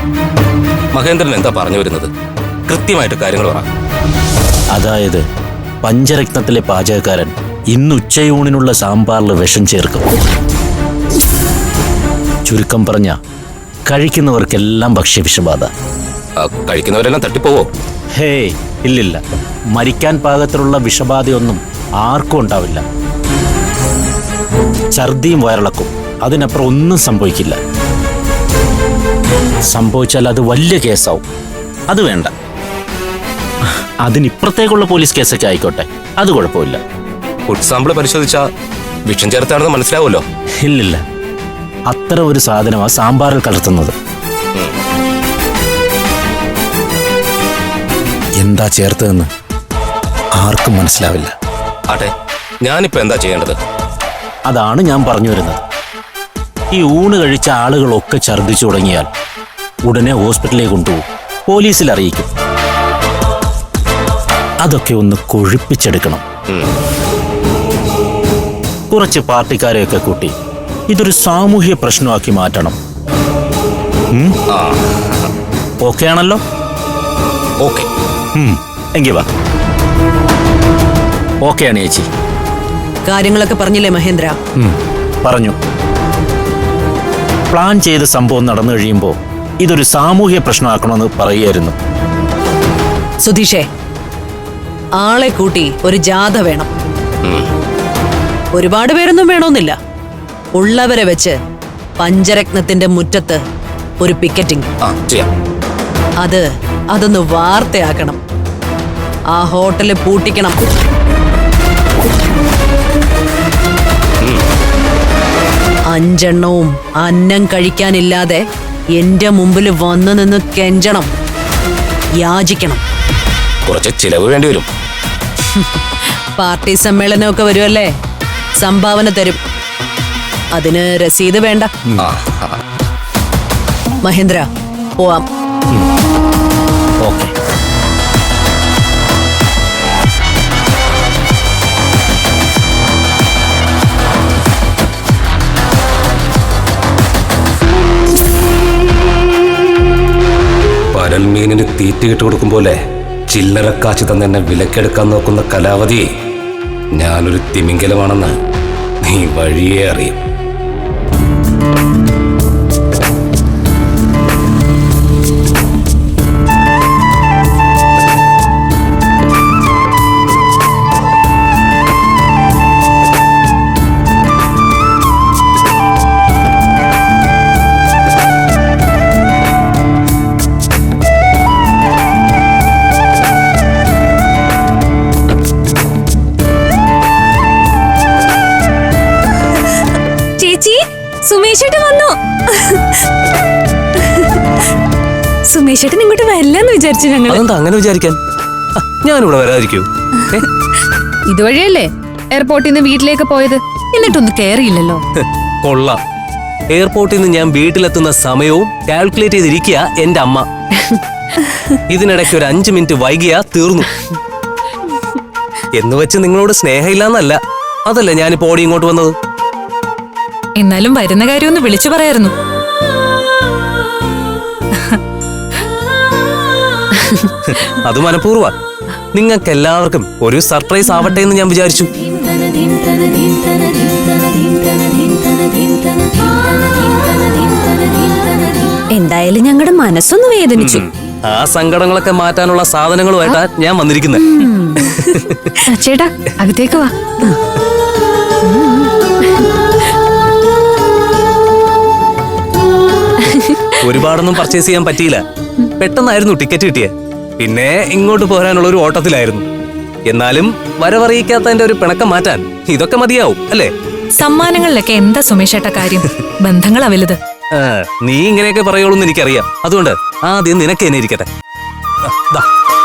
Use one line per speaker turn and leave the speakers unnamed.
മഹേന്ദ്രൻ എന്താ പറഞ്ഞു വരുന്നത്? കൃത്യമായിട്ട് കാര്യങ്ങൾ പറ.
അതായത് പഞ്ചരത്നത്തിലെ പാചകക്കാരൻ ഇന്ന് ഉച്ചയൂണിനുള്ള സാമ്പാറിൽ വിഷം ചേർക്കും. ചുരുക്കം പറഞ്ഞ കഴിക്കുന്നവർക്കെല്ലാം ഭക്ഷ്യവിഷബാധ.
കഴിക്കുന്നവരെല്ലാം തട്ടിപ്പോവോ?
ഹേയ്, ഇല്ലില്ല. മരിക്കാൻ പാകത്തിലുള്ള വിഷബാധയൊന്നും ആർക്കും ഉണ്ടാവില്ല. ഛർദിയും വയറിളക്കും, അതിനപ്പുറം ഒന്നും സംഭവിക്കില്ല. സംഭവിച്ചാൽ അത് വലിയ കേസാവും. അത് വേണ്ട. അതിനിപ്പുറത്തേക്കുള്ള പോലീസ് കേസൊക്കെ ആയിക്കോട്ടെ, അത് കുഴപ്പമില്ല.
ഫുഡ് സാമ്പിൾ പരിശോധിച്ചാൽ വിഷം ചേർത്താണെന്ന് മനസ്സിലാവുമല്ലോ.
ഇല്ലില്ല, അത്ര ഒരു സാധനമാണ് സാമ്പാറിൽ കലർത്തുന്നത്. എന്താ ചേർത്തതെന്ന് ആർക്കും മനസ്സിലാവില്ല.
ആട്ടെ, ഞാനിപ്പോ എന്താ ചെയ്യേണ്ടത്?
അതാണ് ഞാൻ പറഞ്ഞു വരുന്നത്. ഈ ഊണ് കഴിച്ച ആളുകളൊക്കെ ഛർദ്ദിച്ചു തുടങ്ങിയാൽ ഉടനെ ഹോസ്പിറ്റലിലേക്ക് കൊണ്ടുപോകും, പോലീസിൽ അറിയിക്കും. അതൊക്കെ ഒന്ന് കൊഴുപ്പിച്ചെടുക്കണം. കുറച്ച് പാർട്ടിക്കാരെയൊക്കെ കൂട്ടി ഇതൊരു സാമൂഹ്യ പ്രശ്നമാക്കി മാറ്റണം. ഓക്കെ ആണല്ലോ?
ഓക്കെ.
എങ്കി വാ. ഓക്കെ ആണ് ചേച്ചി.
കാര്യങ്ങളൊക്കെ പറഞ്ഞില്ലേ മഹേന്ദ്ര?
പറഞ്ഞു. പ്ലാൻ ചെയ്ത സംഭവം നടന്നു കഴിയുമ്പോൾ ഇതൊരു സാമൂഹ്യ പ്രശ്നമാക്കണമെന്ന് പറയുമായിരുന്നു.
സുധീഷേ, ആളെ കൂട്ടി ഒരു ജാഥ വേണം. ഒരുപാട് പേരൊന്നും വേണമെന്നില്ല. ഉള്ളവരെ വെച്ച് പഞ്ചരത്നത്തിന്റെ മുറ്റത്ത് ഒരു പിക്കറ്റിംഗ്. അതൊന്ന് വാർത്തയാക്കണം. ആ ഹോട്ടല് പൂട്ടിക്കണം. അഞ്ചെണ്ണവും അന്നം കഴിക്കാനില്ലാതെ എന്റെ മുമ്പിൽ വന്നു നിന്ന് കെഞ്ചണം, യാചിക്കണം.
കുറച്ച് ചിലവ് വേണ്ടി വരും.
പാർട്ടി സമ്മേളനമൊക്കെ വരുമല്ലേ, സംഭാവന തരും. അതിന് രസീത് വേണ്ട. മഹേന്ദ്ര, പോവാം.
ഓക്കെ.
പരൽമീനിന് തീറ്റ ഇട്ട് കൊടുക്കും പോലെ ചില്ലറക്കാശ് തന്നെ എന്നെ വിലക്കെടുക്കാൻ നോക്കുന്ന കലാവതി, ഞാനൊരു തിമിംഗലമാണെന്ന് നീ വഴിയേ അറിയും.
സുമേഷേട്ടൻ വന്നു. സുമേഷേട്ടൻ ഇങ്ങോട്ട് വരില്ലെന്ന് വിചാരിച്ചു ഞങ്ങൾ.
അതെന്താ അങ്ങനെ വിചാരിക്കാൻ? ഞാനിവിടെ വരാതിരിക്കൂ?
ഇതുവഴിയല്ലേ എയർപോർട്ടിൽ നിന്ന് വീട്ടിലേക്ക് പോയത്, എന്നിട്ടൊന്നും കേറിയില്ലല്ലോ.
കൊള്ളാം. എയർപോർട്ടിൽ നിന്ന് ഞാൻ വീട്ടിലെത്തുന്ന സമയവും കാൽക്കുലേറ്റ് ചെയ്തിരിക്കുക എന്റെ അമ്മ. ഇതിനിടയ്ക്ക് ഒരു 5 മിനിറ്റ് വൈകിയാ തീർന്നു. എന്ന് വെച്ച് നിങ്ങളോട് സ്നേഹമില്ലാന്നല്ല, അതല്ല ഞാനിപ്പോ ഓടി ഇങ്ങോട്ട് വന്നത്.
എന്നാലും വരുന്ന കാര്യം ഒന്ന് വിളിച്ചു പറയായിരുന്നു.
അത് മനഃപൂർവ്വ. നിങ്ങൾക്ക് എല്ലാവർക്കും ഒരു സർപ്രൈസ് ആവട്ടെ എന്ന് ഞാൻ വിചാരിച്ചു.
എന്തായാലും ഞങ്ങളുടെ മനസ്സൊന്ന് വേദനിച്ചു.
ആ സങ്കടങ്ങളൊക്കെ മാറ്റാനുള്ള സാധനങ്ങളുമായിട്ടാ ഞാൻ വന്നിരിക്കുന്നത്.
ചേട്ടാ, അകത്തേക്ക് വാ.
ഒരുപാടൊന്നും പർച്ചേസ് ചെയ്യാൻ പറ്റിയില്ല. പെട്ടെന്നായിരുന്നു ടിക്കറ്റ് കിട്ടിയത്. പിന്നെ ഇങ്ങോട്ട് പോരാനുള്ള ഒരു ഓട്ടത്തിലായിരുന്നു. എന്നാലും വരവറിയിക്കാത്തതിന്റെ ഒരു പിണക്കം മാറ്റാൻ ഇതൊക്കെ മതിയാവും അല്ലേ?
സമ്മാനങ്ങളിലൊക്കെ എന്താ സുമേഷേട്ട കാര്യം? ബന്ധങ്ങളാ വലുത്.
നീ ഇങ്ങനെയൊക്കെ പറയുള്ളൂ എന്ന് എനിക്കറിയാം. അതുകൊണ്ട് ആദ്യം നിനക്ക് എന്നെ ഇരിക്കട്ടെ.